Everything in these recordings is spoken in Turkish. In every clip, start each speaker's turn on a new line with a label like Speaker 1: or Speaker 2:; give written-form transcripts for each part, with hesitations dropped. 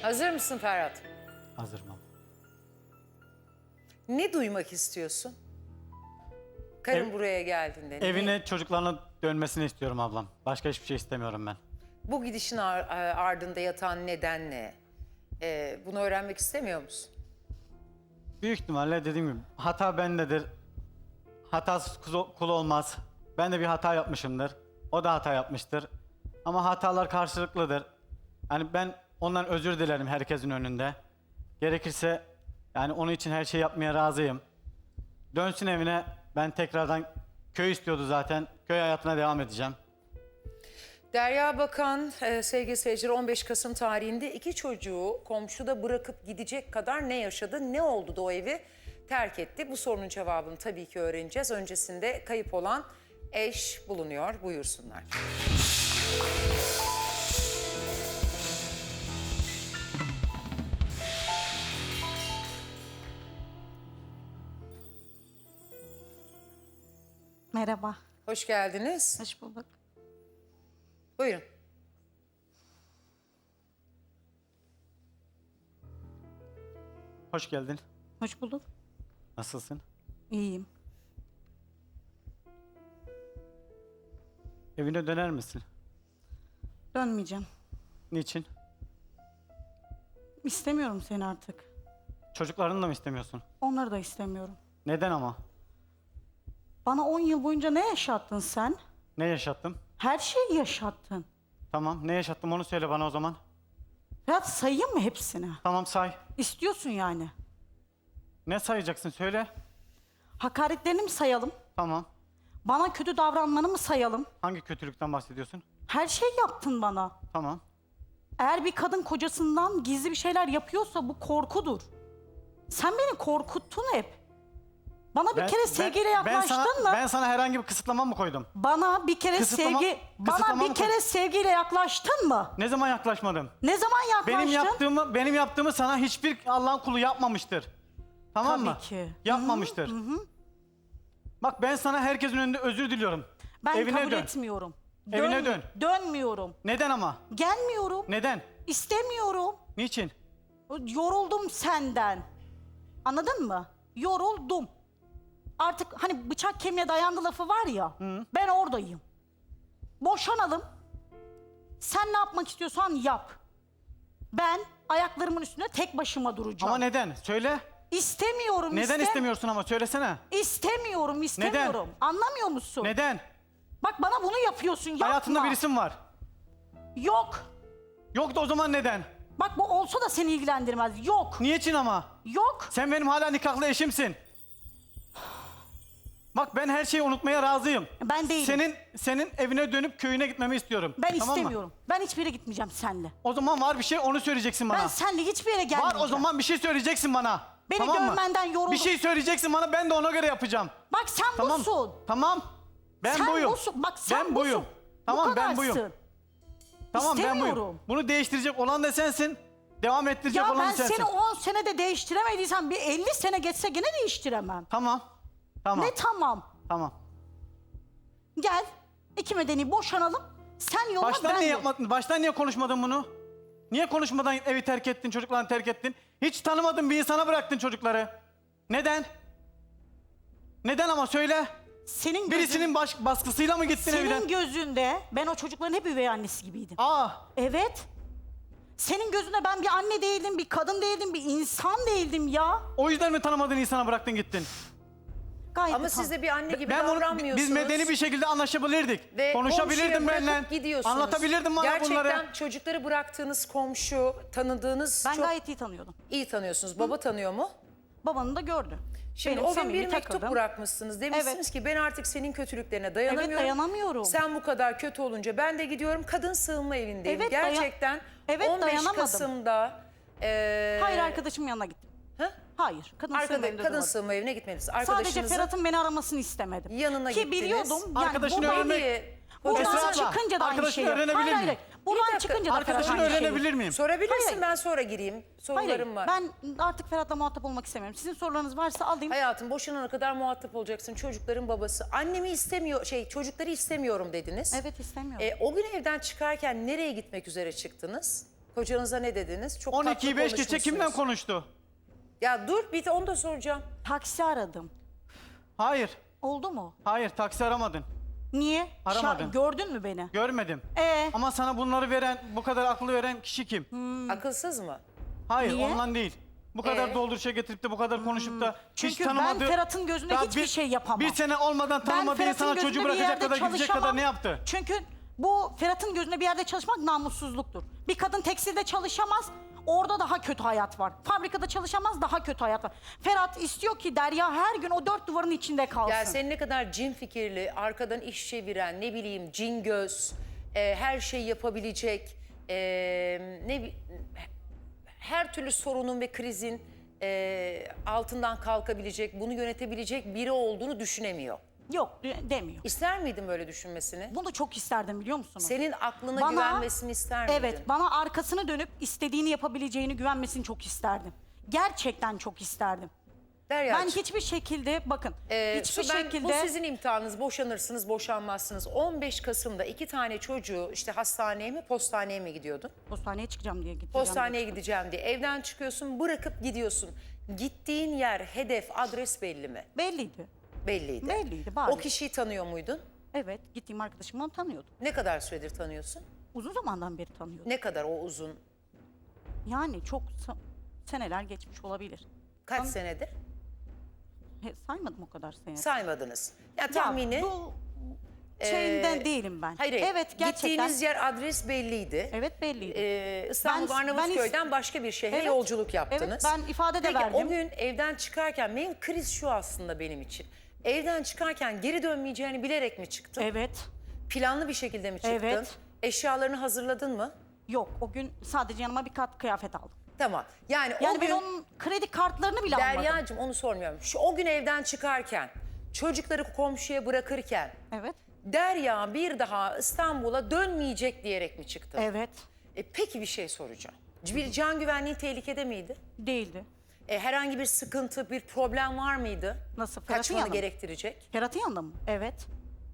Speaker 1: Hazır mısın Ferhat?
Speaker 2: Hazırım abla.
Speaker 1: Ne duymak istiyorsun? Karın
Speaker 2: Ev-
Speaker 1: buraya geldiğinde.
Speaker 2: Evine çocuklarına dönmesini istiyorum ablam. Başka hiçbir şey istemiyorum ben.
Speaker 1: Bu gidişin ardında yatan neden ne? Bunu öğrenmek istemiyor musun?
Speaker 2: Büyük ihtimalle dediğim gibi hata bendedir. Hatasız kul olmaz. Ben de bir hata yapmışımdır. O da hata yapmıştır. Ama hatalar karşılıklıdır. Yani ben ondan özür dilerim herkesin önünde. Gerekirse yani onun için her şeyi yapmaya razıyım. Dönsün evine. Ben tekrardan köy istiyordu zaten. Köy hayatına devam edeceğim.
Speaker 1: Derya Bakan, sevgili seyirciler, 15 Kasım tarihinde 2 çocuğu komşuda bırakıp gidecek kadar ne yaşadı, ne oldu da o evi terk etti? Bu sorunun cevabını tabii ki öğreneceğiz. Öncesinde kayıp olan eş bulunuyor. Buyursunlar.
Speaker 3: Merhaba.
Speaker 1: Hoş geldiniz.
Speaker 3: Hoş bulduk.
Speaker 1: Buyurun.
Speaker 2: Hoş geldin.
Speaker 3: Hoş bulduk.
Speaker 2: Nasılsın?
Speaker 3: İyiyim.
Speaker 2: Evine döner misin?
Speaker 3: Dönmeyeceğim.
Speaker 2: Niçin?
Speaker 3: İstemiyorum seni artık.
Speaker 2: Çocuklarını da mı istemiyorsun?
Speaker 3: Onları da istemiyorum.
Speaker 2: Neden ama?
Speaker 3: Bana 10 yıl boyunca ne yaşattın sen?
Speaker 2: Ne yaşattım?
Speaker 3: Her şeyi yaşattın.
Speaker 2: Tamam, ne yaşattım onu söyle bana o zaman.
Speaker 3: Ferhat, sayayım mı hepsini?
Speaker 2: Tamam say.
Speaker 3: İstiyorsun yani.
Speaker 2: Ne sayacaksın söyle.
Speaker 3: Hakaretlerini mi sayalım?
Speaker 2: Tamam.
Speaker 3: Bana kötü davranmanı mı sayalım?
Speaker 2: Hangi kötülükten bahsediyorsun?
Speaker 3: Her şey yaptın bana.
Speaker 2: Tamam.
Speaker 3: Eğer bir kadın kocasından gizli bir şeyler yapıyorsa bu korkudur. Sen beni korkuttun hep. Bana bir kere sevgiyle yaklaştın mı?
Speaker 2: Ben sana herhangi bir kısıtlama mı koydum?
Speaker 3: Bana bir kere
Speaker 2: Kısıtlama mı
Speaker 3: sevgiyle yaklaştın mı?
Speaker 2: Ne zaman yaklaşmadım?
Speaker 3: Ne zaman yaklaştın?
Speaker 2: Benim yaptığımı sana hiçbir Allah'ın kulu yapmamıştır. Tamam
Speaker 3: Tabii
Speaker 2: mı?
Speaker 3: ki.
Speaker 2: Yapmamıştır. Bak ben sana herkesin önünde özür diliyorum.
Speaker 3: Ben
Speaker 2: Evine
Speaker 3: kabul
Speaker 2: dön.
Speaker 3: etmiyorum.
Speaker 2: Evine dön.
Speaker 3: Dönmüyorum.
Speaker 2: Neden ama?
Speaker 3: Gelmiyorum.
Speaker 2: Neden?
Speaker 3: İstemiyorum.
Speaker 2: Niçin?
Speaker 3: Yoruldum senden. Anladın mı? Yoruldum. Artık hani bıçak kemiğe dayandı lafı var ya. Ben oradayım. Boşanalım. Sen ne yapmak istiyorsan yap. Ben ayaklarımın üstünde tek başıma duracağım.
Speaker 2: Ama neden? Söyle.
Speaker 3: İstemiyorum.
Speaker 2: Neden istemiyorsun ama söylesene.
Speaker 3: İstemiyorum. Anlamıyor musun?
Speaker 2: Neden?
Speaker 3: Bak bana bunu yapıyorsun. Yapma.
Speaker 2: Hayatında birisi mi var?
Speaker 3: Yok.
Speaker 2: Yok da o zaman neden?
Speaker 3: Bak bu olsa da seni ilgilendirmez. Yok.
Speaker 2: Niçin ama?
Speaker 3: Yok.
Speaker 2: Sen benim hala nikahlı eşimsin. Bak ben her şeyi unutmaya razıyım.
Speaker 3: Ben değilim.
Speaker 2: Senin evine dönüp köyüne gitmemi istiyorum.
Speaker 3: Ben
Speaker 2: Tamam mı?
Speaker 3: istemiyorum. Ben hiçbir yere gitmeyeceğim seninle.
Speaker 2: O zaman var bir şey onu söyleyeceksin bana.
Speaker 3: Ben seninle hiçbir yere gelmeyeceğim.
Speaker 2: Var o zaman bir şey söyleyeceksin bana.
Speaker 3: Beni
Speaker 2: tamam mı?
Speaker 3: dövmenden yoruldum.
Speaker 2: Bir şey söyleyeceksin bana ben de ona göre yapacağım.
Speaker 3: Bak sen
Speaker 2: Tamam.
Speaker 3: busun.
Speaker 2: Tamam. Ben
Speaker 3: Sen
Speaker 2: buyum.
Speaker 3: busun. Bak sen
Speaker 2: ben buyum.
Speaker 3: busun.
Speaker 2: Tamam
Speaker 3: Bu
Speaker 2: ben buyum.
Speaker 3: kadarsın.
Speaker 2: Tamam ben buyum.
Speaker 3: İstemiyorum.
Speaker 2: Bunu değiştirecek olan da sensin. Devam ettirecek
Speaker 3: Ya
Speaker 2: olan
Speaker 3: ben
Speaker 2: da sensin.
Speaker 3: seni 10 senede değiştiremediysem bir 50 sene geçse gene değiştiremem.
Speaker 2: Tamam. Tamam.
Speaker 3: Ne tamam?
Speaker 2: Tamam.
Speaker 3: Gel. İki medeni boşanalım. Sen yoluna
Speaker 2: Baştan
Speaker 3: ben
Speaker 2: niye
Speaker 3: yol.
Speaker 2: yapmadın? Baştan niye konuşmadın bunu? Niye konuşmadan evi terk ettin, çocuklarını terk ettin? Hiç tanımadığın bir insana bıraktın çocukları. Neden? Neden ama söyle.
Speaker 3: Senin
Speaker 2: Birisinin baskısıyla mı gittin evden?
Speaker 3: Senin gözünde ben o çocukların hep üvey annesi gibiydim.
Speaker 2: Aa,
Speaker 3: Evet. Senin gözünde ben bir anne değildim, bir kadın değildim, bir insan değildim ya.
Speaker 2: o yüzden mi tanımadığın insana bıraktın gittin?
Speaker 3: Gayet
Speaker 1: Ama
Speaker 3: de
Speaker 1: siz de bir anne gibi
Speaker 2: Ben bunu,
Speaker 1: davranmıyorsunuz.
Speaker 2: biz medeni bir şekilde anlaşabilirdik.
Speaker 1: Ve
Speaker 2: Konuşabilirdim
Speaker 1: komşuya
Speaker 2: benimle.
Speaker 1: bırakıp gidiyorsunuz.
Speaker 2: Anlatabilirdim bana
Speaker 1: Gerçekten
Speaker 2: bunları.
Speaker 1: çocukları bıraktığınız komşu, tanıdığınız
Speaker 3: Ben
Speaker 1: çok
Speaker 3: gayet iyi tanıyordum.
Speaker 1: iyi tanıyorsunuz. Baba tanıyor mu?
Speaker 3: Babanı da gördü.
Speaker 1: Şimdi
Speaker 3: Benim
Speaker 1: o gün
Speaker 3: samimi
Speaker 1: bir mektup
Speaker 3: takıldım.
Speaker 1: bırakmışsınız. Demişsiniz
Speaker 3: Evet.
Speaker 1: ki ben artık senin kötülüklerine dayanamıyorum.
Speaker 3: Evet, dayanamıyorum.
Speaker 1: Sen bu kadar kötü olunca ben de gidiyorum kadın sığınma evindeyim.
Speaker 3: Evet,
Speaker 1: Gerçekten
Speaker 3: Evet,
Speaker 1: 15
Speaker 3: dayanamadım.
Speaker 1: Kasım'da...
Speaker 3: Hayır, arkadaşımın yanına gittim.
Speaker 1: Hı?
Speaker 3: Hayır,
Speaker 1: Kadın
Speaker 3: durmadım.
Speaker 1: sığınma evine gitmediniz.
Speaker 3: Sadece
Speaker 1: Arkadaşınızın
Speaker 3: Ferhat'ın beni aramasını istemedim.
Speaker 1: yanına
Speaker 3: Ki
Speaker 1: gittiniz.
Speaker 3: biliyordum. Yani
Speaker 2: Arkadaşını
Speaker 3: buradan-
Speaker 2: öğrenmek-
Speaker 3: Buradan
Speaker 2: Esra abla,
Speaker 3: çıkınca da aynı
Speaker 2: arkadaşını
Speaker 3: şeyi.
Speaker 2: öğrenebilir
Speaker 3: Hayır,
Speaker 2: miyim?
Speaker 3: Buradan
Speaker 1: dakika,
Speaker 3: çıkınca da Ferhat
Speaker 2: Arkadaşını
Speaker 3: aynı şeyi.
Speaker 2: öğrenebilir miyim?
Speaker 1: sorabilirsin,
Speaker 3: Hayır.
Speaker 1: ben sonra gireyim.
Speaker 3: Hayır,
Speaker 1: Sorularım var.
Speaker 3: ben artık Ferhat'la muhatap olmak istemiyorum. Sizin sorularınız varsa alayım.
Speaker 1: Hayatım boşanana kadar muhatap olacaksın. Çocukların babası. Annemi istemiyor, çocukları istemiyorum dediniz.
Speaker 3: Evet, istemiyorum.
Speaker 1: O gün evden çıkarken nereye gitmek üzere çıktınız? Kocanıza ne dediniz? Çok tatlı
Speaker 2: 12'yi 5 geçe
Speaker 1: konuşmuşsunuz.
Speaker 2: kimden konuştu?
Speaker 1: Ya dur bir de onu da soracağım.
Speaker 3: Taksi aradım.
Speaker 2: Hayır.
Speaker 3: Oldu mu?
Speaker 2: Hayır, taksi aramadın.
Speaker 3: Niye?
Speaker 2: Aramadın.
Speaker 3: Gördün mü beni?
Speaker 2: Görmedim.
Speaker 3: Ee?
Speaker 2: Ama sana bunları veren, bu kadar aklı veren kişi kim?
Speaker 1: Akılsız mı?
Speaker 2: Hayır,
Speaker 3: Niye?
Speaker 2: ondan değil. Bu kadar
Speaker 1: Ee?
Speaker 2: dolduruşa getirip de bu kadar konuşup da hiç
Speaker 3: Çünkü
Speaker 2: tanımadığı...
Speaker 3: ben Ferhat'ın gözünde
Speaker 2: Ya
Speaker 3: hiçbir şey yapamam.
Speaker 2: Bir sene olmadan tanımadığı
Speaker 3: Ferhat'ın
Speaker 2: insana
Speaker 3: gözünde
Speaker 2: çocuğu
Speaker 3: bir
Speaker 2: bırakacak
Speaker 3: yerde
Speaker 2: kadar gidecek kadar
Speaker 3: çalışamam.
Speaker 2: ne yaptı?
Speaker 3: Çünkü bu Ferhat'ın gözünde bir yerde çalışmak namussuzluktur. Bir kadın tekstilde çalışamaz, orada daha kötü hayat var. Fabrikada çalışamaz, daha kötü hayat var. Ferhat istiyor ki Derya her gün o dört duvarın içinde kalsın.
Speaker 1: Ya senin ne kadar cin fikirli, arkadan iş çeviren, ne bileyim cin göz, her şeyi yapabilecek, her türlü sorunun ve krizin altından kalkabilecek, bunu yönetebilecek biri olduğunu düşünemiyor.
Speaker 3: Yok demiyor.
Speaker 1: İster miydin böyle düşünmesini?
Speaker 3: Bunu çok isterdim biliyor musunuz?
Speaker 1: Senin aklına güvenmesini ister miydin?
Speaker 3: Evet, bana arkasını dönüp istediğini yapabileceğini güvenmesini çok isterdim. Gerçekten çok isterdim.
Speaker 1: Deryacığım,
Speaker 3: Ben hiçbir şekilde bakın hiçbir
Speaker 1: bu
Speaker 3: şekilde
Speaker 1: sizin imtihanınız, boşanırsınız, boşanmazsınız. 15 Kasım'da 2 tane çocuğu işte hastaneye mi, postaneye mi gidiyordun?
Speaker 3: postaneye çıkacağım diye gideceğim.
Speaker 1: Postaneye gideceğim diye evden çıkıyorsun, bırakıp gidiyorsun. Gittiğin yer, hedef, adres belli mi?
Speaker 3: Belliydi.
Speaker 1: Belliydi.
Speaker 3: Belliydi, bariz.
Speaker 1: O kişiyi tanıyor muydun?
Speaker 3: Evet, gittiğim arkadaşımdan tanıyordum.
Speaker 1: Ne kadar süredir tanıyorsun?
Speaker 3: Uzun zamandan beri tanıyordum.
Speaker 1: Ne kadar o uzun?
Speaker 3: Yani çok seneler geçmiş olabilir.
Speaker 1: Kaç senedir?
Speaker 3: Saymadım o kadar sene.
Speaker 1: Saymadınız. Ya
Speaker 3: Ya,
Speaker 1: tahmini...
Speaker 3: bu şeyinden değilim ben.
Speaker 1: Hayır,
Speaker 3: Evet, gerçekten.
Speaker 1: gittiğiniz yer, adres belliydi.
Speaker 3: Evet, belliydi.
Speaker 1: İstanbul
Speaker 3: Ben-
Speaker 1: Arnavutköy'den başka bir şehre
Speaker 3: Evet,
Speaker 1: yolculuk yaptınız.
Speaker 3: evet, ben ifade de
Speaker 1: Peki,
Speaker 3: verdim.
Speaker 1: o gün evden çıkarken, benim kriz şu aslında benim için. Evden çıkarken geri dönmeyeceğini bilerek mi çıktın?
Speaker 3: Evet.
Speaker 1: Planlı bir şekilde mi çıktın?
Speaker 3: Evet.
Speaker 1: Eşyalarını hazırladın mı?
Speaker 3: Yok, o gün sadece yanıma bir kat kıyafet aldım.
Speaker 1: Tamam. Yani,
Speaker 3: Yani
Speaker 1: o
Speaker 3: ben
Speaker 1: gün
Speaker 3: onun kredi kartlarını bile almadım.
Speaker 1: Derya'cığım onu sormuyorum. O gün evden çıkarken, çocukları komşuya bırakırken
Speaker 3: Evet.
Speaker 1: Derya bir daha İstanbul'a dönmeyecek diyerek mi çıktın?
Speaker 3: Evet.
Speaker 1: Peki bir şey soracağım. Bir can güvenliği tehlikede miydi?
Speaker 3: Değildi.
Speaker 1: Herhangi bir sıkıntı, bir problem var mıydı?
Speaker 3: Nasıl? Ferhat'ın
Speaker 1: Kaçmanı
Speaker 3: yanında mı?
Speaker 1: gerektirecek?
Speaker 3: Ferhat'ın yanında mı? Evet.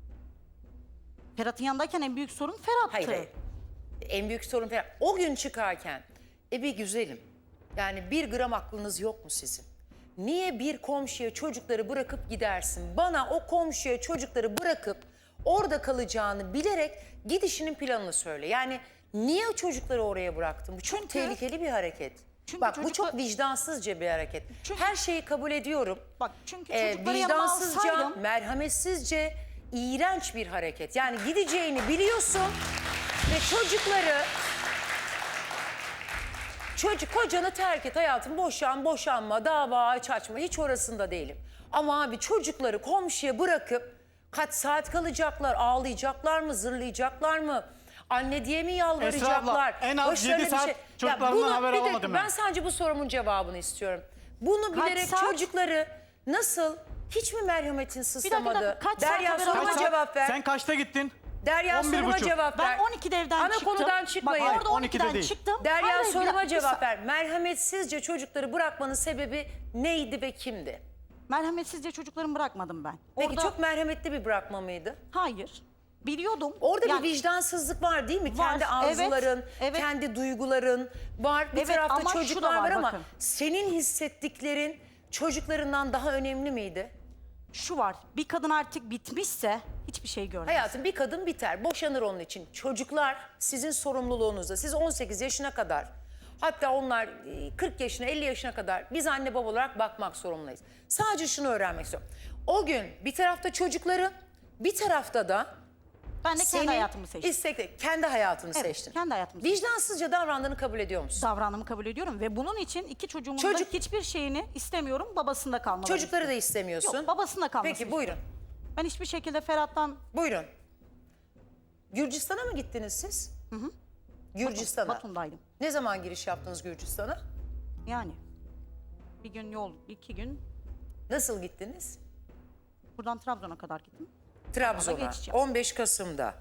Speaker 3: Ferhat'ın yanındayken en büyük sorun Ferhat'tı.
Speaker 1: Hayır, hayır. En büyük sorun falan. O gün çıkarken, bir güzelim. Yani 1 gram aklınız yok mu sizin? Niye bir komşuya çocukları bırakıp gidersin? Bana o komşuya çocukları bırakıp orada kalacağını bilerek gidişinin planını söyle. Yani niye o çocukları oraya bıraktın? Bu çok
Speaker 3: Çünkü-
Speaker 1: tehlikeli bir hareket.
Speaker 3: Çünkü
Speaker 1: Bak bu
Speaker 3: çocuklar-
Speaker 1: çok vicdansızca bir hareket.
Speaker 3: Çünkü-
Speaker 1: Her şeyi kabul ediyorum.
Speaker 3: Bak çünkü çocukları yanıma
Speaker 1: Vicdansızca,
Speaker 3: alsaydım...
Speaker 1: merhametsizce, iğrenç bir hareket. Yani gideceğini biliyorsun ve çocukları... Kocanı terk et hayatım, boşanma, dava açma, hiç orasında değilim. Ama abi çocukları komşuya bırakıp kaç saat kalacaklar, ağlayacaklar mı, zırlayacaklar mı? Anne diye mi yalvaracaklar?
Speaker 2: Esra abla, en az
Speaker 1: Başlarına
Speaker 2: 7 saat
Speaker 1: Ya
Speaker 2: çocuklarımdan
Speaker 1: bunu-
Speaker 2: haber
Speaker 1: bir dakika,
Speaker 2: alamadım
Speaker 1: ben
Speaker 2: ben.
Speaker 1: sadece bu sorumun cevabını istiyorum. Bunu
Speaker 3: Kaç
Speaker 1: bilerek
Speaker 3: saat?
Speaker 1: çocukları nasıl, hiç mi merhametin sızlamadı?
Speaker 3: kaç saat
Speaker 1: Derya
Speaker 3: haber
Speaker 1: soruma
Speaker 3: alamadım?
Speaker 1: cevap ver.
Speaker 2: Sen kaçta gittin?
Speaker 1: Derya
Speaker 2: 11.30.
Speaker 1: soruma cevap ver.
Speaker 3: Ben 12'de evden
Speaker 1: Ana
Speaker 3: çıktım.
Speaker 1: konudan çıkmayın.
Speaker 3: Bak orada
Speaker 2: 12'de
Speaker 3: 12'den
Speaker 2: değil.
Speaker 3: çıktım.
Speaker 1: Derya
Speaker 3: Hayır, hayır,
Speaker 1: soruma
Speaker 3: bir
Speaker 1: cevap
Speaker 3: dakika.
Speaker 1: ver. Merhametsizce çocukları bırakmanın sebebi neydi ve kimdi?
Speaker 3: Merhametsizce çocuklarımı bırakmadım ben.
Speaker 1: Peki
Speaker 3: Orada...
Speaker 1: çok merhametli bir bırakma mıydı?
Speaker 3: Hayır. Biliyordum.
Speaker 1: Orada
Speaker 3: Yani-
Speaker 1: bir vicdansızlık var değil mi?
Speaker 3: Var,
Speaker 1: Kendi arzuların,
Speaker 3: evet, evet.
Speaker 1: kendi duyguların var. Bir
Speaker 3: Evet,
Speaker 1: tarafta
Speaker 3: ama şu da
Speaker 1: çocuklar
Speaker 3: var,
Speaker 1: var ama
Speaker 3: bakın.
Speaker 1: senin hissettiklerin çocuklarından daha önemli miydi?
Speaker 3: Şu var. Bir kadın artık bitmişse hiçbir şey görmez.
Speaker 1: Hayatım bir kadın biter, boşanır onun için. Çocuklar sizin sorumluluğunuzda. Siz 18 yaşına kadar, hatta onlar 40 yaşına, 50 yaşına kadar biz anne baba olarak bakmak zorundayız. Sadece şunu öğrenmek istiyorum. O gün bir tarafta çocukları, bir tarafta da
Speaker 3: Ben de kendi
Speaker 1: senin
Speaker 3: hayatımı seçtim.
Speaker 1: kendi hayatını
Speaker 3: Evet,
Speaker 1: seçtin.
Speaker 3: kendi hayatımı seçtim.
Speaker 1: Vicdansızca davrandığını kabul ediyor musun?
Speaker 3: Davranımı kabul ediyorum ve bunun için iki çocuğumun
Speaker 1: Çocuk-
Speaker 3: da hiçbir şeyini istemiyorum. Babasında kalmalarını
Speaker 1: Çocukları da
Speaker 3: istiyorum.
Speaker 1: istemiyorsun.
Speaker 3: Yok, babasında kalmasını
Speaker 1: Peki buyurun.
Speaker 3: Ben hiçbir şekilde Ferhat'tan
Speaker 1: Buyurun. Gürcistan'a mı gittiniz siz? Gürcistan'a.
Speaker 3: Batum'daydım.
Speaker 1: Ne zaman giriş yaptınız Gürcistan'a?
Speaker 3: Yani bir gün yol, 2 gün
Speaker 1: Nasıl gittiniz?
Speaker 3: buradan Trabzon'a kadar gittim.
Speaker 1: Trabzon'a.
Speaker 3: geçiş yaptım.
Speaker 1: 15 Kasım'da.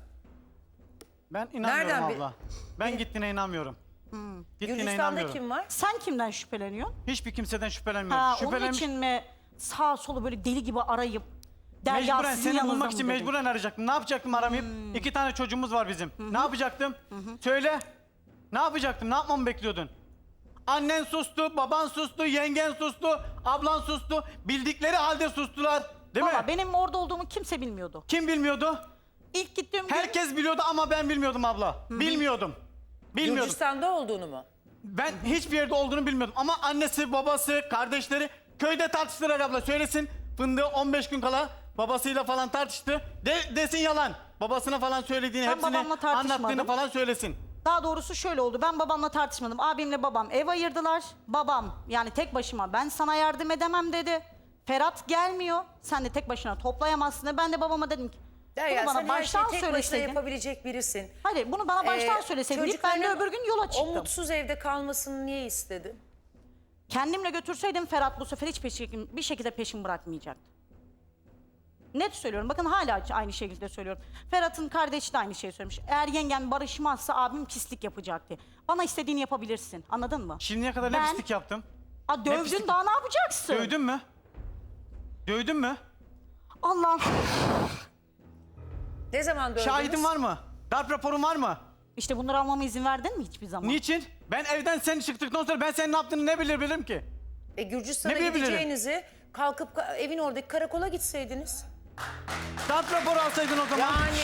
Speaker 2: Ben inanmıyorum
Speaker 1: Nereden
Speaker 2: abla. Ben gittiğine inanmıyorum. Gittiğine
Speaker 1: Gürcistan'da
Speaker 2: inanmıyorum.
Speaker 1: kim var?
Speaker 3: Sen kimden şüpheleniyorsun?
Speaker 2: Hiçbir kimseden şüphelenmiyorum.
Speaker 3: Ha, onun
Speaker 2: Şüphelenmiş-
Speaker 3: için mi sağ solu böyle deli gibi arayıp Derya
Speaker 2: Mecburen
Speaker 3: sizin
Speaker 2: seni
Speaker 3: yanınızda
Speaker 2: bulmak
Speaker 3: mı
Speaker 2: için
Speaker 3: dedim?
Speaker 2: mecburen arayacaktım. Ne yapacaktım aramayıp? 2 tane çocuğumuz var bizim. Ne yapacaktım? Söyle. Ne yapacaktım? Ne yapmamı bekliyordun? Annen sustu, baban sustu, yengen sustu, ablan sustu. Bildikleri halde sustular. Değil
Speaker 3: Valla
Speaker 2: mi?
Speaker 3: benim orada olduğumu kimse bilmiyordu.
Speaker 2: Kim bilmiyordu?
Speaker 3: İlk gittiğim gün
Speaker 2: Herkes biliyordu ama ben bilmiyordum abla. Bilmiyordum. Bilmiyordum.
Speaker 1: Gürcistan'da olduğunu mu?
Speaker 2: Ben hiçbir yerde olduğunu bilmiyordum. Ama annesi, babası, kardeşleri köyde tartıştılar abla. Söylesin, Fındığı 15 gün kala babasıyla falan tartıştı. Desin yalan. Babasına falan söylediğini,
Speaker 3: Ben
Speaker 2: hepsini
Speaker 3: babamla tartışmadım.
Speaker 2: anlattığını falan söylesin.
Speaker 3: Daha doğrusu şöyle oldu. Ben babamla tartışmadım. Abimle babam ev ayırdılar. Babam yani tek başıma ben sana yardım edemem dedi. Ferhat gelmiyor. Sen de tek başına toplayamazsın dedi. Ben de babama dedim ki
Speaker 1: Derya
Speaker 3: bunu bana
Speaker 1: sen her şeyi
Speaker 3: baştan
Speaker 1: tek başına
Speaker 3: söyleseydin.
Speaker 1: yapabilecek birisin.
Speaker 3: Hayır bunu bana baştan
Speaker 1: Ee,
Speaker 3: söyleseydin. Ben de
Speaker 1: çocukların
Speaker 3: öbür gün yola
Speaker 1: O
Speaker 3: çıktım.
Speaker 1: mutsuz evde kalmasını niye istedin?
Speaker 3: Kendimle götürseydim Ferhat bu sefer hiç bir şekilde peşimi bırakmayacaktı. Net söylüyorum. Bakın hala aynı şekilde söylüyorum. Ferhat'ın kardeşi de aynı şeyi söylemiş. Eğer yengen barışmazsa abim pislik yapacaktı. Bana istediğini yapabilirsin. Anladın mı?
Speaker 2: Şimdiye kadar ne
Speaker 3: Ben-
Speaker 2: pislik yaptım?
Speaker 3: Aa, dövdün
Speaker 2: pislik-
Speaker 3: daha ne yapacaksın?
Speaker 2: Dövdün mü? Dövdün mü?
Speaker 3: Allah'ım.
Speaker 1: Ne zaman dövdünüz?
Speaker 2: Şahidin var mı? Darp raporun var mı?
Speaker 3: İşte bunları almama izin verdin mi hiçbir zaman?
Speaker 2: Niçin? Ben evden sen çıktıktan sonra ben senin ne yaptığını ne bilirim ki?
Speaker 1: Gürcistan'a
Speaker 2: Ne bilebilirim?
Speaker 1: gideceğinizi kalkıp evin oradaki karakola gitseydiniz.
Speaker 2: Darp raporu alsaydın o zaman.
Speaker 1: Yani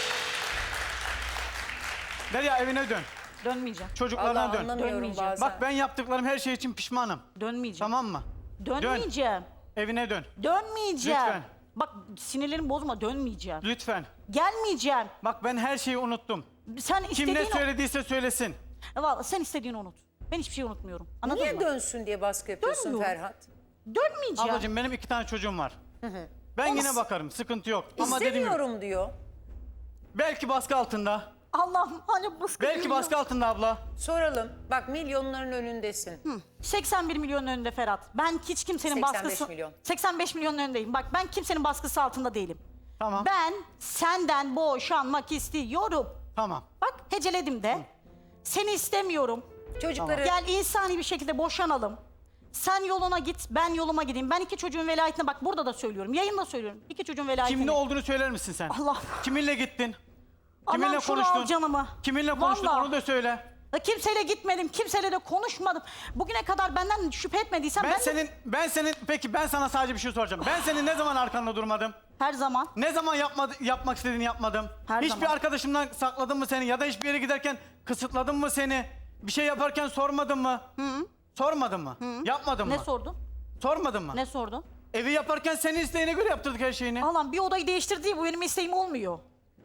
Speaker 2: Derya evine dön.
Speaker 3: Dönmeyeceğim.
Speaker 2: Çocuklarına
Speaker 1: Allah
Speaker 2: dön.
Speaker 1: anlamıyorum
Speaker 3: Dönmeyeceğim.
Speaker 1: bazen.
Speaker 2: Bak ben yaptıklarım her şey için pişmanım.
Speaker 3: Dönmeyeceğim.
Speaker 2: Tamam mı?
Speaker 3: Dönmeyeceğim.
Speaker 2: Evine dön.
Speaker 3: Dönmeyeceğim.
Speaker 2: Lütfen.
Speaker 3: Bak sinirlerimi bozma dönmeyeceğim.
Speaker 2: Lütfen.
Speaker 3: Gelmeyeceğim.
Speaker 2: Bak ben her şeyi unuttum.
Speaker 3: Sen
Speaker 2: Kim
Speaker 3: istediğin
Speaker 2: ne söylediyse söylesin.
Speaker 3: Vallahi sen istediğini unut. Ben hiçbir şey unutmuyorum. Anladın
Speaker 1: niye
Speaker 3: mı?
Speaker 1: dönsün diye baskı yapıyorsun
Speaker 3: Dönmüyorum.
Speaker 1: Ferhat?
Speaker 3: Dönmeyeceğim.
Speaker 2: Ablacığım benim 2 tane çocuğum var. Ben
Speaker 3: Ama
Speaker 2: yine bakarım. Sıkıntı yok. Ama dediğim gibi
Speaker 1: İstemiyorum diyor.
Speaker 2: belki baskı altında.
Speaker 3: Allah'ım hani baskı
Speaker 2: Belki
Speaker 3: görüyor.
Speaker 2: baskı altında abla.
Speaker 1: Soralım. Bak milyonların önündesin.
Speaker 3: 81 milyon önünde Ferhat. Ben hiç kimsenin
Speaker 1: 85
Speaker 3: baskısı...
Speaker 1: milyon.
Speaker 3: 85 milyonun önündeyim. Bak ben kimsenin baskısı altında değilim.
Speaker 2: Tamam.
Speaker 3: Ben senden boşanmak istiyorum.
Speaker 2: Tamam.
Speaker 3: Bak heceledim de. Seni istemiyorum.
Speaker 1: Çocukları
Speaker 3: Gel insani bir şekilde boşanalım. Sen yoluna git, ben yoluma gideyim. Ben 2 çocuğun velayetine bak burada da söylüyorum. Yayında söylüyorum. 2 çocuğun velayetine.
Speaker 2: Kim ne olduğunu söyler misin sen?
Speaker 3: Allah.
Speaker 2: Kiminle gittin? Kiminle
Speaker 3: Allah'ım şunu
Speaker 2: konuştun?
Speaker 3: al canımı.
Speaker 2: Kiminle konuştun
Speaker 3: Vallahi.
Speaker 2: onu da söyle.
Speaker 3: Ya kimseyle gitmedim, kimseyle de konuşmadım. Bugüne kadar benden şüphe etmediysen
Speaker 2: Ben senin peki ben sana sadece bir şey soracağım. Ben senin ne zaman arkanda durmadım?
Speaker 3: her zaman
Speaker 2: Ne zaman yapmak istediğini yapmadım?
Speaker 3: Her
Speaker 2: Hiçbir
Speaker 3: zaman.
Speaker 2: arkadaşımdan sakladım mı seni ya da hiçbir yere giderken kısıtladım mı seni? Bir şey yaparken sormadın mı? Sormadın mı? Yapmadın
Speaker 3: ne
Speaker 2: mı?
Speaker 3: sordun?
Speaker 2: Sormadın mı?
Speaker 3: Ne sordun?
Speaker 2: Evi yaparken senin isteğine göre yaptırdık her şeyini.
Speaker 3: Allah'ım bir odayı değiştirdiği bu benim isteğim olmuyor.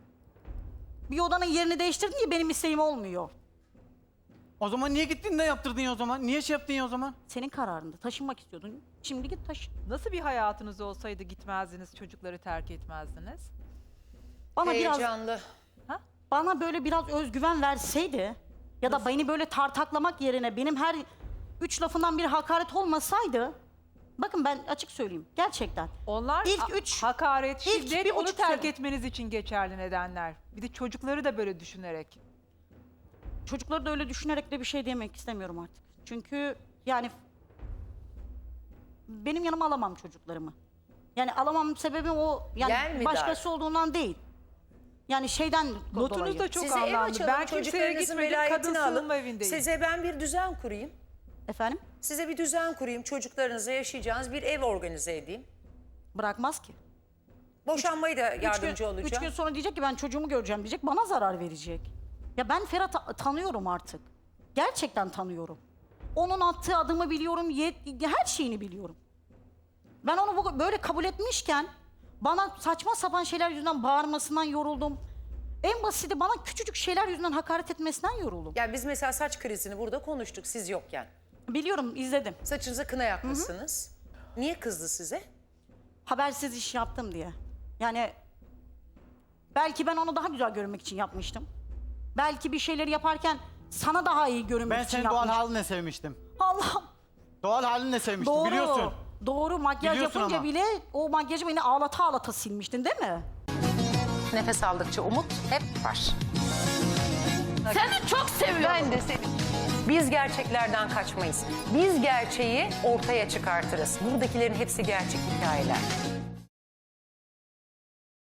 Speaker 3: Bir odanın yerini değiştirdin diye benim isteğim olmuyor.
Speaker 2: O zaman niye gittin de yaptırdın ya o zaman? Niye şey yaptın ya o zaman?
Speaker 3: Senin kararında taşınmak istiyordun. Şimdi git taşın.
Speaker 4: Nasıl bir hayatınız olsaydı gitmezdiniz, çocukları terk etmezdiniz?
Speaker 1: heyecanlı.
Speaker 3: Bana böyle biraz özgüven verseydi ya da beni böyle tartaklamak yerine benim her 3 lafından bir hakaret olmasaydı, bakın ben açık söyleyeyim gerçekten.
Speaker 4: Onlar
Speaker 3: İlk üç-
Speaker 4: hakaret,
Speaker 3: ilk
Speaker 4: şiddet,
Speaker 3: bir
Speaker 4: onu
Speaker 3: buçuk
Speaker 4: terk
Speaker 3: sene-
Speaker 4: etmeniz için geçerli nedenler. Bir de çocukları da böyle düşünerek.
Speaker 3: Çocukları da öyle düşünerek de bir şey demek istemiyorum artık. Çünkü yani benim yanıma alamam çocuklarımı. Yani alamam sebebi o
Speaker 1: Yer
Speaker 3: yani
Speaker 1: mi
Speaker 3: başkası
Speaker 1: dar?
Speaker 3: olduğundan değil. Yani şeyden
Speaker 4: Notunuz
Speaker 3: dolayı.
Speaker 4: da çok
Speaker 1: Size ev
Speaker 4: anlamlı.
Speaker 1: açalım,
Speaker 4: Ben kimseye
Speaker 1: çocuklarınızın
Speaker 4: gitmedim, kadın
Speaker 1: velayetini alın.
Speaker 4: sığınma evindeyim.
Speaker 1: Size ben bir düzen kurayım.
Speaker 3: Efendim?
Speaker 1: Size bir düzen kurayım. Çocuklarınızla yaşayacağınız bir ev organize edeyim.
Speaker 3: Bırakmaz ki.
Speaker 1: Boşanmayı da yardımcı
Speaker 3: 3
Speaker 1: olacağım.
Speaker 3: gün sonra diyecek ki ben çocuğumu göreceğim diyecek. Bana zarar verecek. Ya ben Ferhat'ı tanıyorum artık. Gerçekten tanıyorum. Onun attığı adımı biliyorum. Her şeyini biliyorum. Ben onu böyle kabul etmişken bana saçma sapan şeyler yüzünden bağırmasından yoruldum. En basiti bana küçücük şeyler yüzünden hakaret etmesinden yoruldum.
Speaker 1: Yani biz mesela saç krizini burada konuştuk siz yokken.
Speaker 3: Biliyorum, izledim.
Speaker 1: Saçınıza kına yakmışsınız. Niye kızdı size?
Speaker 3: Habersiz iş yaptım diye. Yani belki ben onu daha güzel görünmek için yapmıştım. Belki bir şeyleri yaparken sana daha iyi görünmek
Speaker 2: Ben
Speaker 3: için
Speaker 2: senin doğal
Speaker 3: yapmıştım.
Speaker 2: halinle sevmiştim.
Speaker 3: Allah'ım.
Speaker 2: Doğal halinle sevmiştim
Speaker 3: Doğru.
Speaker 2: biliyorsun.
Speaker 3: Doğru. Makyaj
Speaker 2: Biliyorsun
Speaker 3: yapınca
Speaker 2: ama.
Speaker 3: bile o makyajı beni ağlata ağlata silmiştin değil mi?
Speaker 1: Nefes aldıkça umut hep var.
Speaker 5: Seni çok seviyorum.
Speaker 1: Ben de seni. Biz gerçeklerden kaçmayız. Biz gerçeği ortaya çıkartırız. Buradakilerin hepsi gerçek hikayeler.